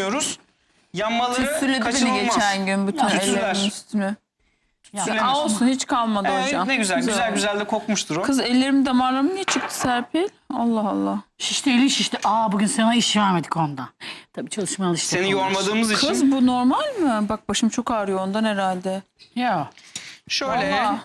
yapmıyoruz. Yanmaları Tütsüledi beni kaçınılmaz. geçen gün bütün ellerimin üstünü. Ya olsun, hiç kalmadı hocam. Ne güzel, güzel de kokmuştur o. Kız ellerimin damarlarım niye çıktı Serpil? Allah Allah. Şişti, elin şişti. Bugün sana iş vermedik onda. Tabii çalışmaya alıştık. Seni yormadığımız için. Kız bu normal mi? Bak başım çok ağrıyor ondan herhalde. Ya. Şöyle Vallahi.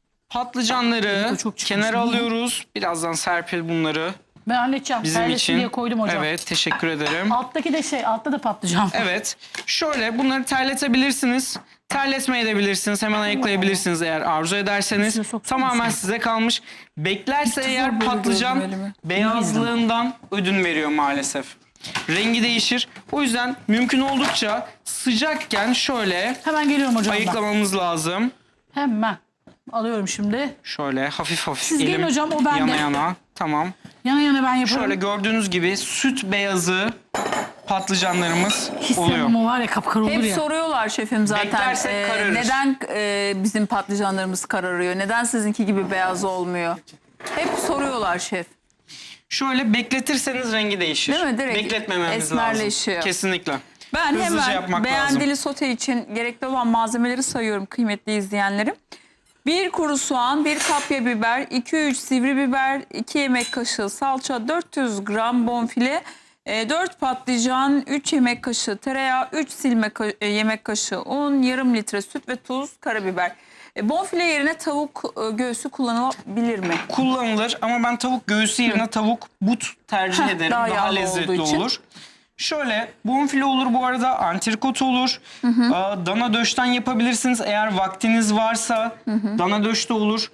patlıcanları çok çıkmış, kenara değil mi? alıyoruz. Birazdan Serpil bunları Ben halledeceğim. bizim Servis için. diye koydum hocam. Evet, teşekkür ederim. Alttaki de altta da patlıcan. Evet. Şöyle bunları terletebilirsiniz. Terletmeyebilirsiniz. Hemen ayıklayabilirsiniz eğer arzu ederseniz. İçine soksana Tamamen sen. size kalmış. Beklerse eğer böyle patlıcan gördüm elimi. beyazlığından ödün veriyor maalesef. Rengi değişir. O yüzden mümkün oldukça sıcakken şöyle Hemen geliyorum hocam. ayıklamamız lazım. Hemen. Alıyorum şimdi. Şöyle hafif Siz gelin elim hocam, o bende. yana yana. Tamam. Yana yana ben yaparım. Şöyle gördüğünüz gibi süt beyazı patlıcanlarımız oluyor. Hissem o var ya, kapkara olur Hep ya. soruyorlar şefim zaten. Beklersek kararır. Neden bizim patlıcanlarımız kararıyor? Neden sizinki gibi beyaz olmuyor? Hep soruyorlar şef. Şöyle bekletirseniz rengi değişir. Değil mi? Direkt Bekletmememiz esmerleşiyor. lazım. Kesinlikle. Ben Hızlıca hemen yapmak beğendili lazım. sote için gerekli olan malzemeleri sayıyorum kıymetli izleyenlerim. 1 kuru soğan, 1 kapya biber, 2-3 sivri biber, 2 yemek kaşığı salça, 400 gram bonfile, 4 patlıcan, 3 yemek kaşığı tereyağı, 3 yemek kaşığı un, yarım litre süt ve tuz, karabiber. Bonfile yerine tavuk göğsü kullanılabilir mi? Kullanılır ama ben tavuk göğsü yerine tavuk but tercih ederim. daha Daha yağlı lezzetli olduğu için. olur. Şöyle bonfile olur bu arada, antrikot olur. Dana döşten yapabilirsiniz eğer vaktiniz varsa. Dana döş de olur.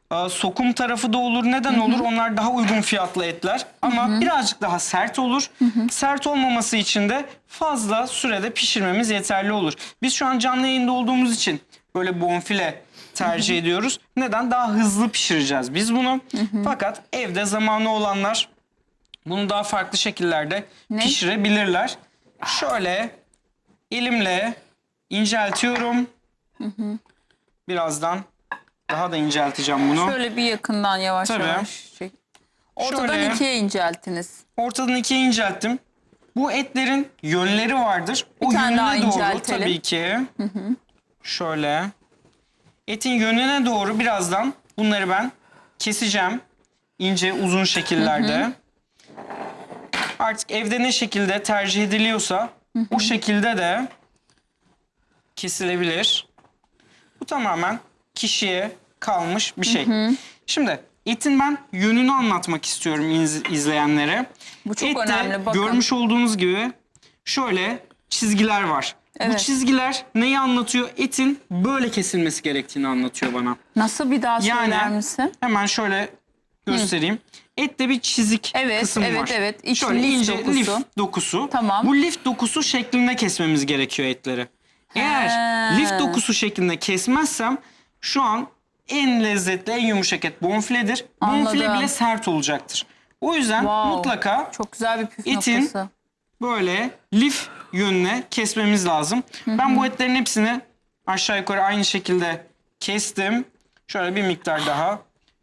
Sokum tarafı da olur. Neden olur? Onlar daha uygun fiyatlı etler. Ama birazcık daha sert olur. Sert olmaması için de fazla sürede pişirmemiz yeterli olur. Biz şu an canlı yayında olduğumuz için böyle bonfile tercih ediyoruz. Neden? Daha hızlı pişireceğiz biz bunu. Fakat evde zamanı olanlar bunu daha farklı şekillerde pişirebilirler. Şöyle elimle inceltiyorum. Birazdan daha da incelteceğim bunu. Şöyle bir yakından yavaş Tabii. yavaş çek. Ortadan Şöyle. 2'ye inceltiniz. Ortadan ikiye incelttim. Bu etlerin yönleri vardır. O tane daha yönüne doğru inceltelim. tabii ki. Şöyle. Etin yönüne doğru birazdan bunları ben keseceğim. İnce uzun şekillerde. Artık evde ne şekilde tercih ediliyorsa o şekilde de kesilebilir. Bu tamamen kişiye kalmış bir şey. Şimdi etin ben yönünü anlatmak istiyorum izleyenlere. Bu çok Ette önemli, bakın. görmüş olduğunuz gibi şöyle çizgiler var. Bu Evet. çizgiler neyi anlatıyor? Etin böyle kesilmesi gerektiğini anlatıyor bana. Nasıl, bir daha söyler misin? Hemen şöyle göstereyim. Ette bir çizik Evet, kısım evet, var. evet. İç Şöyle lif ince dokusu. lif dokusu. Tamam. Bu lif dokusu şeklinde kesmemiz gerekiyor etleri. Eğer lif dokusu şeklinde kesmezsem şu an en lezzetli, en yumuşak et bonfiledir. Bonfile Anladım. bile sert olacaktır. O yüzden Wow. mutlaka Çok güzel bir püf etin noktası. böyle lif yönüne kesmemiz lazım. Ben bu etlerin hepsini aşağı yukarı aynı şekilde kestim. Şöyle bir miktar daha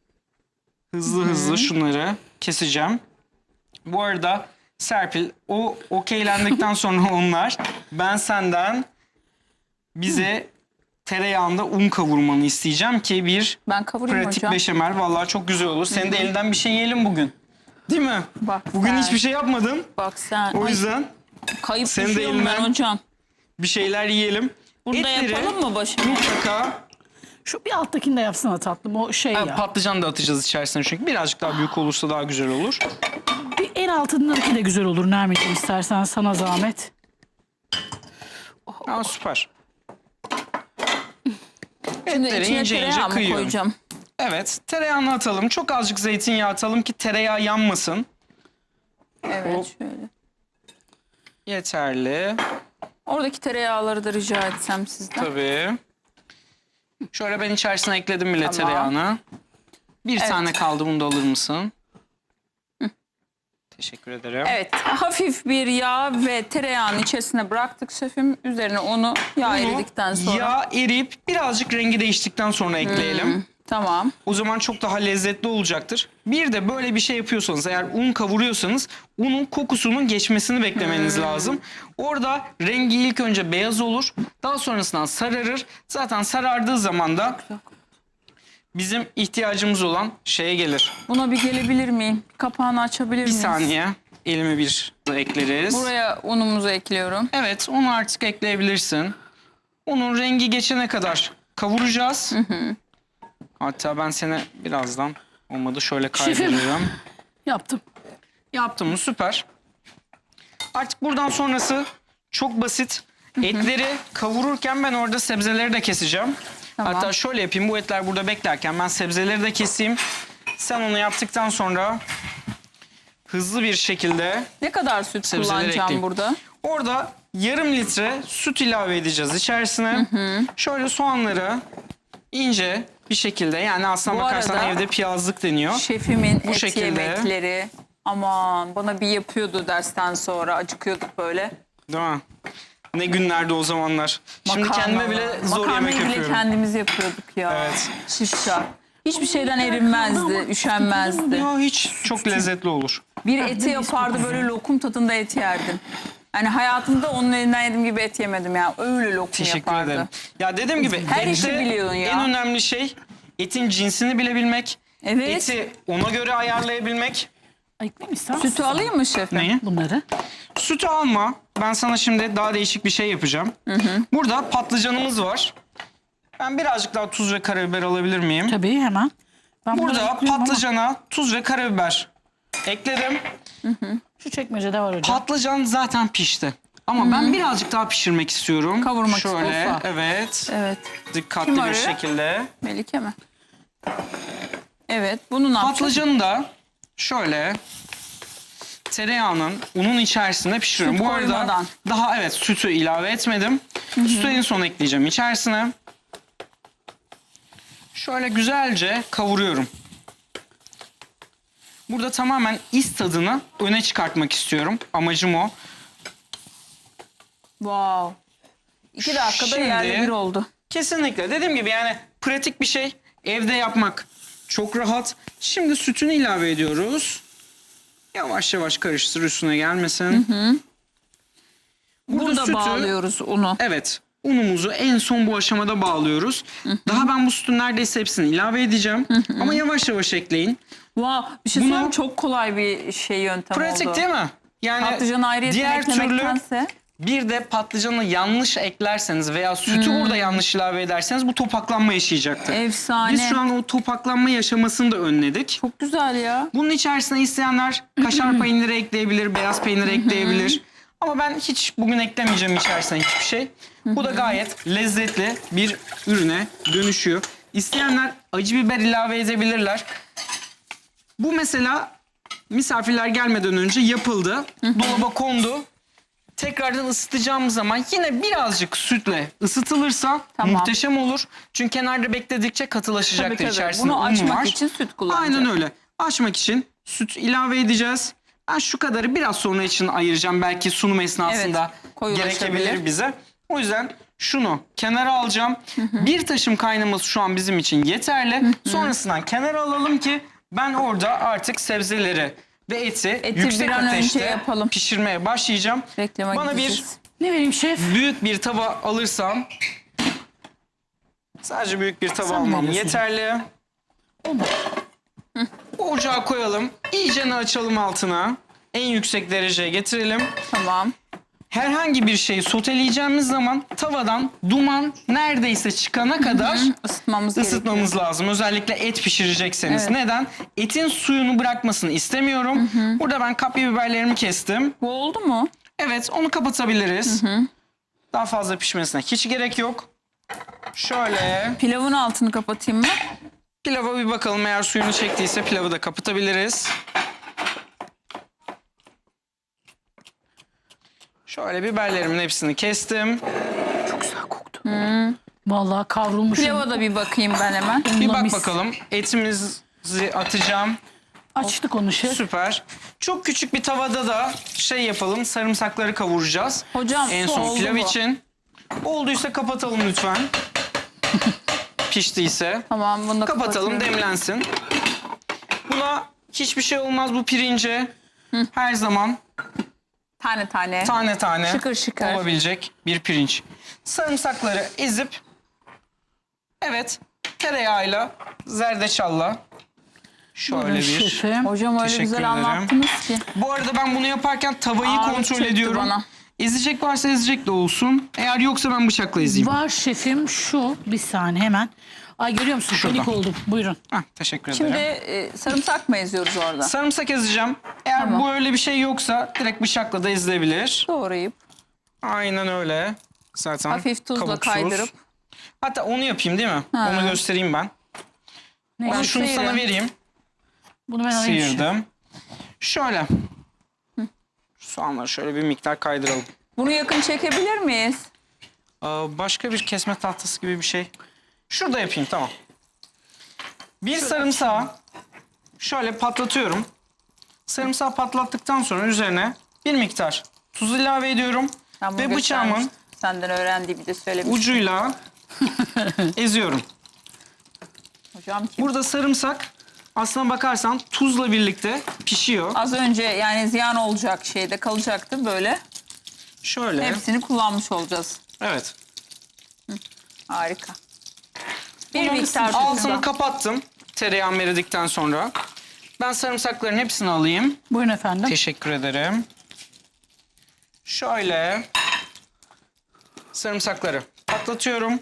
hızlı şunları keseceğim. Bu arada Serpil, o okeylendikten sonra onlar, ben senden bize tereyağında un kavurmanı isteyeceğim ki bir Ben kavurayım pratik hocam. beşamel vallahi çok güzel olur. Senin de elinden bir şey yiyelim bugün. Değil mi? Bak Bugün sen. hiçbir şey yapmadın. Bak sen. O Ay, yüzden kayıp senin de düşüyorum ben elinden hocam. bir şeyler yiyelim. Burada Etleri yapalım mı başım? mutlaka Şu bir alttakini de yapsana tatlım, o şey ya. patlıcan da atacağız içerisine çünkü birazcık daha büyük olursa daha güzel olur. Bir en altındaki de güzel olur Nermin'ciğim, istersen sana zahmet. Aa, süper. Şimdi Etleri içine ince ince tereyağı mı kıyıyorum. koyacağım? Evet, tereyağını atalım. Çok azıcık zeytinyağı atalım ki tereyağı yanmasın. Evet Hop. şöyle. Yeterli. Oradaki tereyağları da rica etsem sizden. Tabii. Şöyle ben içerisine ekledim bile Tamam. tereyağını. Bir Evet. tane kaldı, bunu da alır mısın? Teşekkür ederim. Evet, hafif bir yağ ve tereyağının içerisine bıraktık şefim. Üzerine onu yağ Bunu eridikten sonra. yağ eriyip birazcık rengi değiştikten sonra ekleyelim. Tamam. O zaman çok daha lezzetli olacaktır. Bir de böyle bir şey yapıyorsanız, eğer un kavuruyorsanız unun kokusunun geçmesini beklemeniz lazım. Orada rengi ilk önce beyaz olur. Daha sonrasında sararır. Zaten sarardığı zaman da bizim ihtiyacımız olan şeye gelir. Buna bir gelebilir miyim? Kapağını açabilir Bir miyiz? saniye. Elimi bir ekleriz. Buraya unumuzu ekliyorum. Evet, onu artık ekleyebilirsin. Onun rengi geçene kadar kavuracağız. Hatta ben seni birazdan, olmadı şöyle kaydıracağım. Yaptım. Yaptım mı? Süper. Artık buradan sonrası çok basit. Etleri kavururken ben orada sebzeleri de keseceğim. Tamam. Hatta şöyle yapayım, bu etler burada beklerken ben sebzeleri de keseyim. Sen onu yaptıktan sonra hızlı bir şekilde Ne kadar süt sebzeleri kullanacağım ekleyeyim. burada? Orada yarım litre süt ilave edeceğiz içerisine. Şöyle soğanları ince bir şekilde, yani aslına Bu bakarsan arada evde piyazlık deniyor. Şefimin Bu et şekilde. yemekleri aman bana bir yapıyordu dersten sonra, acıkıyorduk böyle. Değil mi? Ne günlerdi o zamanlar. Şimdi kendime bile zor yemek Makarnayı bile yapıyorum. kendimiz yapıyorduk ya. Evet. Şifşa. Hiçbir şeyden erinmezdi, üşenmezdi. Ya hiç çok lezzetli olur. Bir eti yapardı, böyle lokum tadında et yerdim. Yani hayatımda onun elinden yediğim gibi et yemedim ya. Öyle lokum Teşekkür yapardı. ederim. Ya dediğim gibi Her işi ette biliyorsun ya. en önemli şey etin cinsini bilebilmek. Evet. Eti ona göre ayarlayabilmek. Ayıklayayım ister misin? Sütü alayım mı şefim? Neyi? Bunları. Sütü alma. Ben sana şimdi daha değişik bir şey yapacağım. Burada patlıcanımız var. Ben birazcık daha tuz ve karabiber alabilir miyim? Tabii hemen. Ben bunları Burada ayıklıyorum ama patlıcana tuz ve karabiber ekledim. şu çekmecede var hocam. Patlıcan zaten pişti. Ama ben birazcık daha pişirmek istiyorum. Kavurmak Şöyle, istiyorsa. evet. Evet. Dikkatli Kim bir arıyor? şekilde. Melike mi? Evet. Bunu ne yapacağız? Patlıcanı da şöyle tereyağının unun içerisinde pişiriyorum. Süt Bu arada koymadan. daha evet sütü ilave etmedim. Sütü en son ekleyeceğim içerisine. Şöyle güzelce kavuruyorum. Burada tamamen is tadını öne çıkartmak istiyorum. Amacım o. Wow. 2 dakikada Şimdi- yerle bir oldu. Kesinlikle. Dediğim gibi yani pratik bir şey. Evde yapmak çok rahat. Şimdi sütünü ilave ediyoruz. Yavaş yavaş karıştır, üstüne gelmesin. Burada bağlıyoruz unu. Evet. Unumuzu en son bu aşamada bağlıyoruz. Daha ben bu sütün neredeyse hepsini ilave edeceğim. Ama yavaş yavaş ekleyin. Wow. Bir şey Bunu- söyleyeyim, çok kolay bir şey yöntem Pratik oldu. değil mi? Yani Patlıcanı ayrıyetten diğer türlü eklemektense. bir de patlıcanı yanlış eklerseniz veya sütü burada yanlış ilave ederseniz bu topaklanma yaşayacaktır. Efsane. Biz şu an o topaklanma yaşamasını da önledik. Çok güzel ya. Bunun içerisine isteyenler kaşar peyniri ekleyebilir, beyaz peynir ekleyebilir. Ama ben hiç bugün eklemeyeceğim içerisine hiçbir şey. Bu da gayet lezzetli bir ürüne dönüşüyor. İsteyenler acı biber ilave edebilirler. Bu mesela misafirler gelmeden önce yapıldı. Dolaba kondu. Tekrardan ısıtacağımız zaman yine birazcık sütle ısıtılırsa Tamam. muhteşem olur. Çünkü kenarda bekledikçe katılaşacaktır. Tabii, tabii. İçerisinde Bunu un açmak var. için süt kullanacağız. Aynen öyle. Açmak için süt ilave edeceğiz. Ben şu kadarı biraz sonra için ayıracağım. Belki sunum esnasında Evet, koyulaşabilir. gerekebilir bize. O yüzden şunu kenara alacağım. Bir taşım kaynaması şu an bizim için yeterli. Sonrasından kenara alalım ki ben orada artık sebzeleri ve eti yüksek bir an önce ateşte yapalım. pişirmeye başlayacağım. Reklama Bana bir gideceğiz. Ne vereyim şef? büyük bir tava alırsam, sadece büyük bir tava Sen almam veriyorsun. yeterli. Ocağa koyalım. İyicene açalım altına. En yüksek dereceye getirelim. Tamam. Herhangi bir şeyi soteleyeceğimiz zaman tavadan duman neredeyse çıkana kadar Isıtmamız gerekiyor. ısıtmamız lazım. Özellikle et pişirecekseniz. Evet. Neden? Etin suyunu bırakmasını istemiyorum. Burada ben kapya biberlerimi kestim. Bu oldu mu? Evet, onu kapatabiliriz. Daha fazla pişmesine hiç gerek yok. Şöyle Pilavın altını kapatayım mı? pilava bir bakalım. Eğer suyunu çektiyse pilavı da kapatabiliriz. Şöyle biberlerimin hepsini kestim. Çok güzel koktu. Vallahi kavrulmuş. Pilava da bir bakayım ben hemen. Bir bak Mis. bakalım. Etimizi atacağım. Açtık onu şef. Süper. Çok küçük bir tavada da şey yapalım. Sarımsakları kavuracağız. Hocam En su son oldu pilav mu? için. Olduysa kapatalım lütfen. piştiyse Tamam, bunu da kapatalım, kapatıyorum. demlensin. Buna hiçbir şey olmaz bu pirince. Her zaman Tane tane. tane tane Şıkır şıkır. olabilecek bir pirinç. Sarımsakları ezip tereyağıyla, zerdeçalla şöyle Buyurun bir. şefim. Hocam öyle Teşekkür güzel ederim. anlattınız ki. Bu arada ben bunu yaparken tavayı Ağırlık kontrol çöktü ediyorum. bana. Ezecek varsa ezecek de olsun. Eğer yoksa ben bıçakla ezeyim. Var şefim şu. Bir saniye hemen. Ay görüyor musun? Şurada. Panik oldum. Buyurun. Heh, teşekkür Şimdi ederim. sarımsak mı eziyoruz orada? Sarımsak ezeceğim. Eğer Tamam. bu öyle bir şey yoksa direkt bıçakla da ezilebilir. Doğrayıp Aynen öyle. Zaten hafif tuzla kabuksuz. kaydırıp. Hatta onu yapayım değil mi? Ha. Onu göstereyim ben. Ne? Ben Onu şunu sana sıyırın. vereyim. Bunu ben alayım. şefim. Sıyırdım. Şöyle. Soğanları şöyle bir miktar kaydıralım. Bunu yakın çekebilir miyiz? Başka bir kesme tahtası gibi bir şey. Şurada yapayım, tamam. Bir sarımsağı şöyle patlatıyorum. Sarımsağı patlattıktan sonra üzerine bir miktar tuz ilave ediyorum. Ben bunu Ve bıçağımın göstermiştim. Senden öğrendiğimi de söylemiştim. ucuyla eziyorum. Hocam kim? Burada sarımsak aslına bakarsan tuzla birlikte pişiyor. Az önce yani ziyan olacak şeyde kalacaktı böyle. Şöyle. Hepsini kullanmış olacağız. Evet. Harika. Bir Bunun miktar altını tuzla. kapattım tereyağımı eridikten sonra. Ben sarımsakların hepsini alayım. Buyurun efendim. Teşekkür ederim. Şöyle sarımsakları patlatıyorum.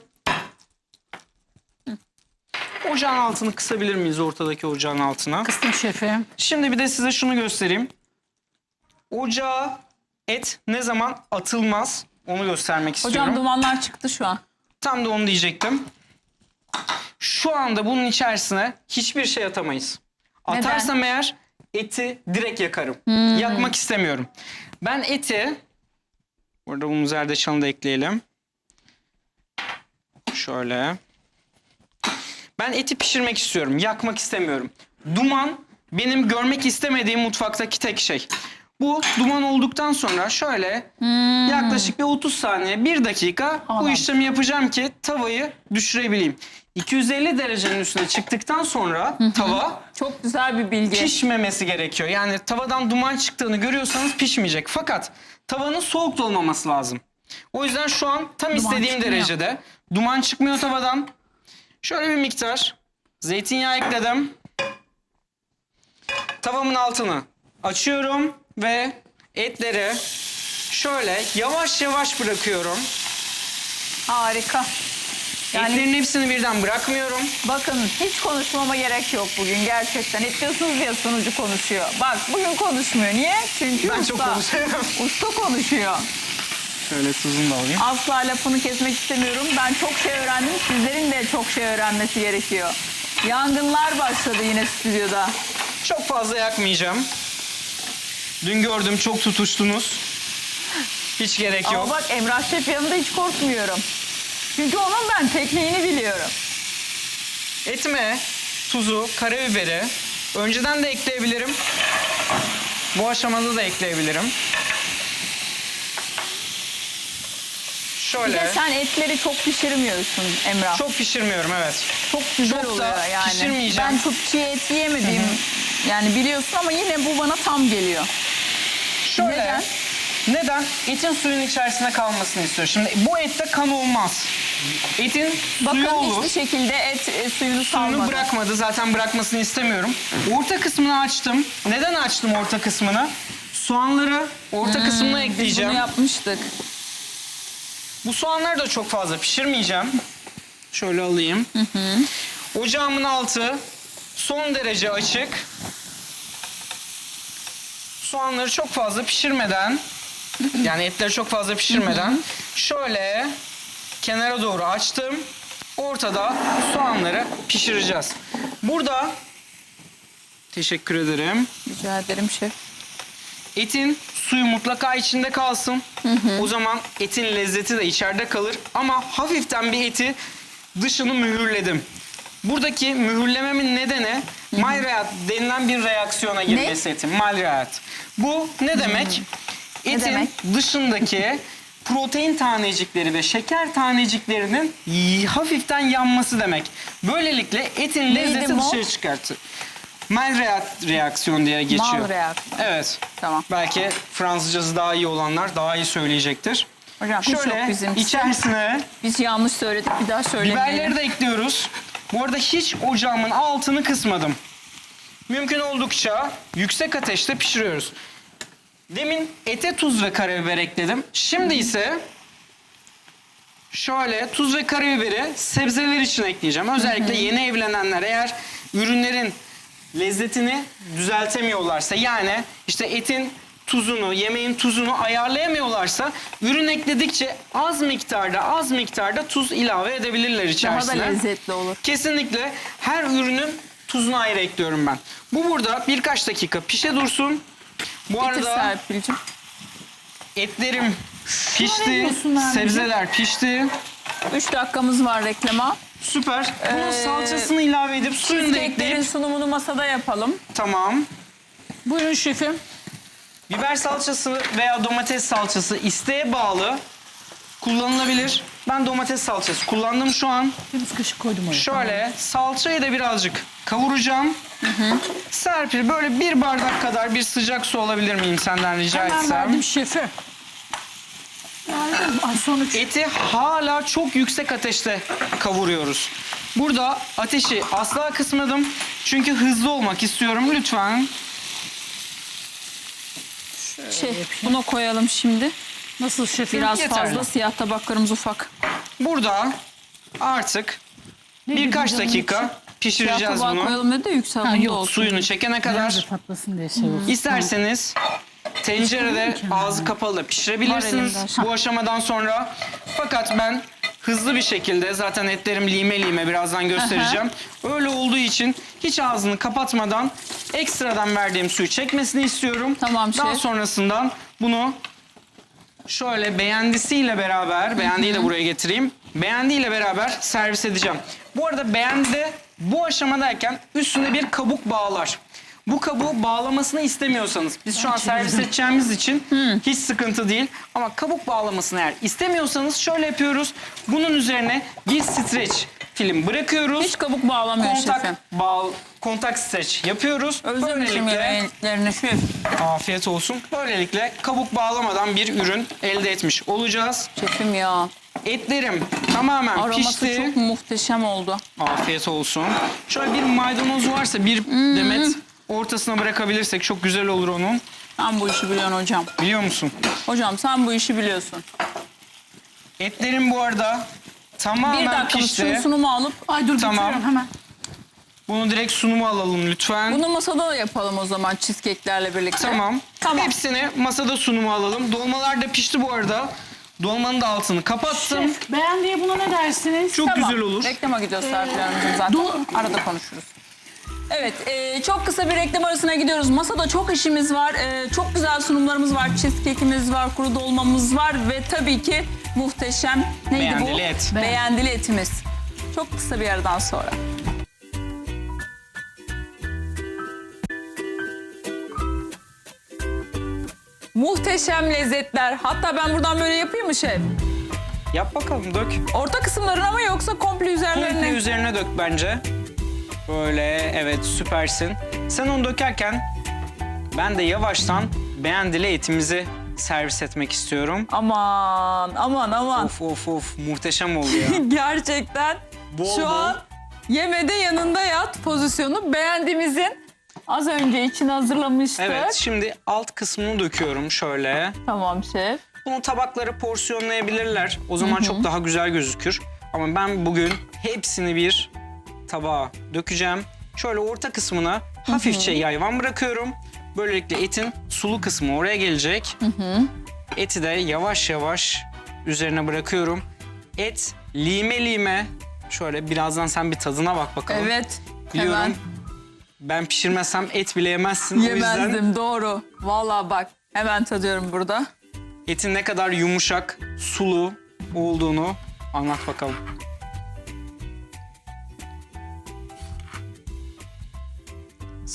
Ocağın altını kısabilir miyiz, ortadaki ocağın altına? Kıstım şefim. Şimdi bir de size şunu göstereyim. Ocağa et ne zaman atılmaz onu göstermek istiyorum. Hocam dumanlar çıktı şu an. Tam da onu diyecektim. Şu anda bunun içerisine hiçbir şey atamayız. Neden? Atarsam eğer eti direkt yakarım. Yakmak istemiyorum. Ben eti, burada bunu zerdeçalını da ekleyelim. Şöyle. Ben eti pişirmek istiyorum. Yakmak istemiyorum. Duman benim görmek istemediğim mutfaktaki tek şey. Bu duman olduktan sonra şöyle yaklaşık bir 30 saniye, 1 dakika bu Anladım. işlemi yapacağım ki tavayı düşürebileyim. 250 derecenin üstüne çıktıktan sonra tava Çok güzel bir bilgi. pişmemesi gerekiyor. Yani tavadan duman çıktığını görüyorsanız pişmeyecek. Fakat tavanın soğuk da olmaması lazım. O yüzden şu an tam istediğim çıkmıyor. derecede duman çıkmıyor tavadan. Şöyle bir miktar zeytinyağı ekledim. Tavamın altını açıyorum ve etleri şöyle yavaş yavaş bırakıyorum. Harika. Yani Etlerin hepsini birden bırakmıyorum. bakın hiç konuşmama gerek yok bugün gerçekten. Hep diyorsunuz ya sunucu konuşuyor. Bak bugün konuşmuyor. Niye? Çünkü Ben usta. çok konuşuyorum. Usta konuşuyor. Şöyle tuzunu da alayım. Asla lafını kesmek istemiyorum. Ben çok şey öğrendim. Sizlerin de çok şey öğrenmesi gerekiyor. Yangınlar başladı yine stüdyoda. Çok fazla yakmayacağım. Dün gördüm, çok tutuştunuz. Hiç gerek yok. Ama bak Emrah Şef yanında hiç korkmuyorum. Çünkü onun ben tekniğini biliyorum. Etime tuzu, karabiberi önceden de ekleyebilirim. Bu aşamada da ekleyebilirim. Bir de Şöyle. sen etleri çok pişirmiyorsun Emrah. Çok pişirmiyorum, evet. Çok güzel çok da oluyor yani. pişirmeyeceğim. Ben çok çiğ et yemediğim yani biliyorsun ama yine bu bana tam geliyor. Şöyle. Neden? Neden? Etin suyun içerisinde kalmasını istiyorum. Şimdi bu ette kan olmaz. Etin suyu Bakın olur. hiçbir şekilde et suyunu Suyunu salmadı. bırakmadı. Zaten bırakmasını istemiyorum. Orta kısmını açtım. Neden açtım orta kısmını? Soğanları orta kısmına Biz ekleyeceğim. bunu yapmıştık. Bu soğanları da çok fazla pişirmeyeceğim. Şöyle alayım. Ocağımın altı son derece açık. Soğanları çok fazla pişirmeden, yani etleri çok fazla pişirmeden şöyle kenara doğru açtım. Ortada soğanları pişireceğiz. Burada teşekkür ederim. Rica ederim şef. Etin suyu mutlaka içinde kalsın. O zaman etin lezzeti de içeride kalır. Ama hafiften bir eti dışını mühürledim. Buradaki mühürlememin nedeni Maillard denilen bir reaksiyona girmesi etin. Maillard. Bu ne demek? Etin demek? dışındaki protein tanecikleri ve şeker taneciklerinin hafiften yanması demek. Böylelikle etin lezzeti mol? dışarı çıkartır. Reaksiyon diye geçiyor. Mal reaksiyon. Evet. Tamam. Belki Fransızcası daha iyi olanlar daha iyi söyleyecektir. Hocam hiç yok Şöyle bizimkisi. içerisine Biz yanlış söyledik, bir daha söylemeyelim. biberleri de ekliyoruz. Bu arada hiç ocağımın altını kısmadım. Mümkün oldukça yüksek ateşte pişiriyoruz. Demin ete tuz ve karabiber ekledim. Şimdi ise şöyle tuz ve karabiberi sebzeler için ekleyeceğim. Özellikle yeni evlenenler eğer ürünlerin lezzetini düzeltemiyorlarsa, yani işte etin tuzunu, yemeğin tuzunu ayarlayamıyorlarsa ürün ekledikçe az miktarda tuz ilave edebilirler Daha içerisine. da lezzetli olur. Kesinlikle her ürünün tuzunu ayrı ekliyorum ben. Bu burada birkaç dakika pişe dursun. Bu Getir arada Serpil'cim. etlerim pişti, diyorsun Nermin'ciğim? sebzeler pişti. 3 dakikamız var reklama. Süper. Bunun salçasını ilave edip suyunu da Cheesecake'lerin ekleyip sunumunu masada yapalım. tamam. Buyurun şefim. Biber salçası veya domates salçası isteğe bağlı kullanılabilir. Ben domates salçası kullandım şu an. Bir kaşık koydum oraya. Şöyle salçayı da birazcık kavuracağım. Serpil böyle bir bardak kadar bir sıcak su alabilir miyim senden rica Hemen etsem? verdim şefe. Verdim. Ay sonuç. Eti hala çok yüksek ateşte kavuruyoruz. Burada ateşi asla kısmadım. Çünkü hızlı olmak istiyorum. Lütfen. Buna koyalım şimdi. Nasıl şefim? Biraz Yeterli. fazla, siyah tabaklarımız ufak. Burada artık Ne birkaç dedim canım dakika için? Siyah pişireceğiz tabağa bunu. koyalım dedi de yükseldi yok, olsun. Suyunu çekene Nerede kadar. patlasın diye şey olsun. İsterseniz tencerede ağzı kapalı da Var pişirebilirsiniz elimde. bu aşamadan sonra. Fakat ben hızlı bir şekilde, zaten etlerim lime lime, birazdan göstereceğim. Öyle olduğu için hiç ağzını kapatmadan ekstradan verdiğim suyu çekmesini istiyorum. Tamam Daha şef. sonrasından bunu şöyle beğendisiyle beraber, beğendiği de buraya getireyim. Beğendiğiyle beraber servis edeceğim. Bu arada beğendi de bu aşamadayken üstüne bir kabuk bağlar. Bu kabuğu bağlamasını istemiyorsanız, biz şu an servis edeceğimiz için hiç sıkıntı değil. Ama kabuk bağlamasını eğer istemiyorsanız şöyle yapıyoruz. Bunun üzerine bir streç film bırakıyoruz. Hiç kabuk bağlamıyor şefim. Kontak streç yapıyoruz. Özlemişim yemeklerini şef. Afiyet olsun. Böylelikle kabuk bağlamadan bir ürün elde etmiş olacağız. Şefim ya. Etlerim tamamen Aroması pişti. çok muhteşem oldu. Afiyet olsun. Şöyle bir maydanoz varsa bir demet ortasına bırakabilirsek çok güzel olur onun. Sen bu işi biliyorsun hocam. Biliyor musun? Hocam sen bu işi biliyorsun. Etlerim bu arada Bir tamamen dakika pişti. şunu sunumu alıp Ay dur Tamam. getiriyorum hemen. Bunu direkt sunuma alalım lütfen. bunu masada da yapalım o zaman cheesecake'lerle birlikte. Tamam. Tamam. Hepsini masada sunuma alalım. Dolmalar da pişti bu arada. Dolmanın da altını kapattım. Şef beğendiğe buna ne dersiniz? Çok Tamam. güzel olur. Reklama gidiyoruz Serpil Hanımcığım zaten. Arada konuşuruz. Evet, çok kısa bir reklam arasına gidiyoruz. Masada çok işimiz var. Çok güzel sunumlarımız var. Cheesecake'imiz var, kuru dolmamız var ve tabii ki muhteşem neydi Beğendili bu? et. Beğendili etimiz. Çok kısa bir aradan sonra. Muhteşem lezzetler. Hatta ben buradan böyle yapayım mı şef? Yap bakalım, dök. Orta kısımlarına mı yoksa komple üzerlerine? Komple üzerine dök bence. Böyle, evet, süpersin. Sen onu dökerken ben de yavaştan beğendili etimizi servis etmek istiyorum. Aman aman aman. Of of of, muhteşem oldu ya. Gerçekten Bol şu bol. an yemede yanında yat pozisyonu beğendiğimizin az önce için hazırlamıştık. Evet, şimdi alt kısmını döküyorum şöyle. Tamam şef. Bunu tabaklara porsiyonlayabilirler. O zaman çok daha güzel gözükür. Ama ben bugün hepsini bir tabağa dökeceğim. Şöyle orta kısmına hafifçe yayvan bırakıyorum. Böylelikle etin sulu kısmı oraya gelecek. Eti de yavaş yavaş üzerine bırakıyorum. Et lime lime. Şöyle birazdan sen bir tadına bak bakalım. Evet. Biliyorum. Hemen Ben pişirmezsem et bile yemezsin. O yüzden yemezdim doğru. Vallahi bak hemen tadıyorum burada. etin ne kadar yumuşak, sulu olduğunu anlat bakalım.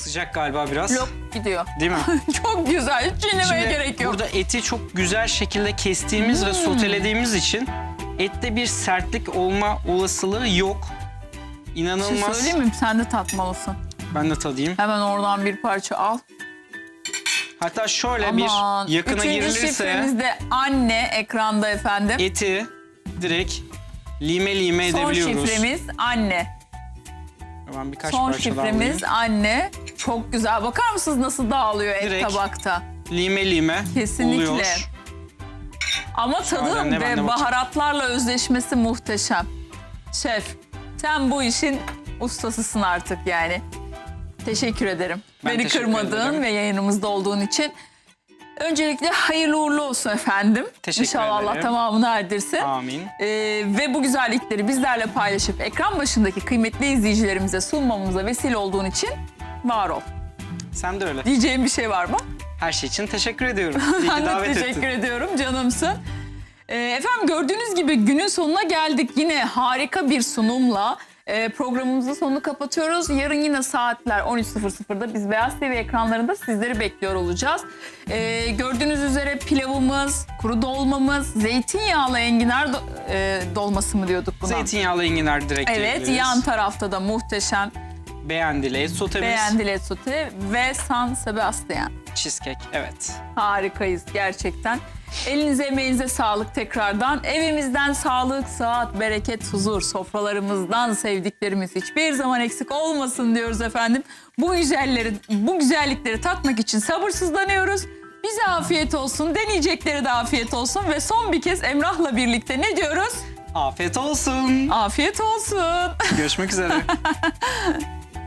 Sıcak galiba biraz. Lop gidiyor. Değil mi? Çok güzel. Hiç çiğnemeye Şimdi gerek yok. burada eti çok güzel şekilde kestiğimiz ve sotelediğimiz için ette bir sertlik olma olasılığı yok. Bir şey İnanılmaz. söyleyeyim mi? Sen de tatmalısın. Ben de tadayım. Hemen oradan bir parça al. Hatta şöyle Aman. bir yakına Üçüncü girilirse şifremiz de anne ekranda efendim. eti direkt lime Son edebiliyoruz. şifremiz anne. Ben birkaç Son parça daha şifremiz alayım. anne. Çok güzel. Bakar mısınız nasıl dağılıyor et Direkt tabakta? Lime Kesinlikle. oluyor. Ama tadı ne, ben de ve baharatlarla özleşmesi muhteşem. Şef, sen bu işin ustasısın artık yani. Teşekkür ederim. Ben Beni teşekkür kırmadığın ederim. ve yayınımızda olduğun için. Öncelikle hayırlı uğurlu olsun efendim. Teşekkür İnşallah Allah ederim. tamamını erdirsin. Amin. Ve bu güzellikleri bizlerle paylaşıp ekran başındaki kıymetli izleyicilerimize sunmamıza vesile olduğun için var ol. Sen de öyle. Diyeceğim bir şey var mı? Her şey için teşekkür ediyorum. İyi Ben ki de davet teşekkür ettin. ediyorum, canımsın. Efendim gördüğünüz gibi günün sonuna geldik. Yine harika bir sunumla programımızın sonunu kapatıyoruz. Yarın yine saatler 13.00'da biz Beyaz TV ekranlarında sizleri bekliyor olacağız. Gördüğünüz üzere pilavımız, kuru dolmamız, zeytinyağlı enginar dolması mı diyorduk buna? Zeytinyağlı enginar direkt Evet, yiyebiliriz. yan tarafta da muhteşem Beğendili et sotemiz. beğendili sote ve San Sebastian. Cheesecake, evet. Harikayız gerçekten. Elinize emeğinize sağlık tekrardan. Evimizden sağlık, sıhhat, bereket, huzur, sofralarımızdan sevdiklerimiz hiçbir zaman eksik olmasın diyoruz efendim. Bu güzellikleri tatmak için sabırsızlanıyoruz. Bize afiyet olsun, deneyecekleri de afiyet olsun ve son bir kez Emrah'la birlikte ne diyoruz? Afiyet olsun. Afiyet olsun. Görüşmek üzere.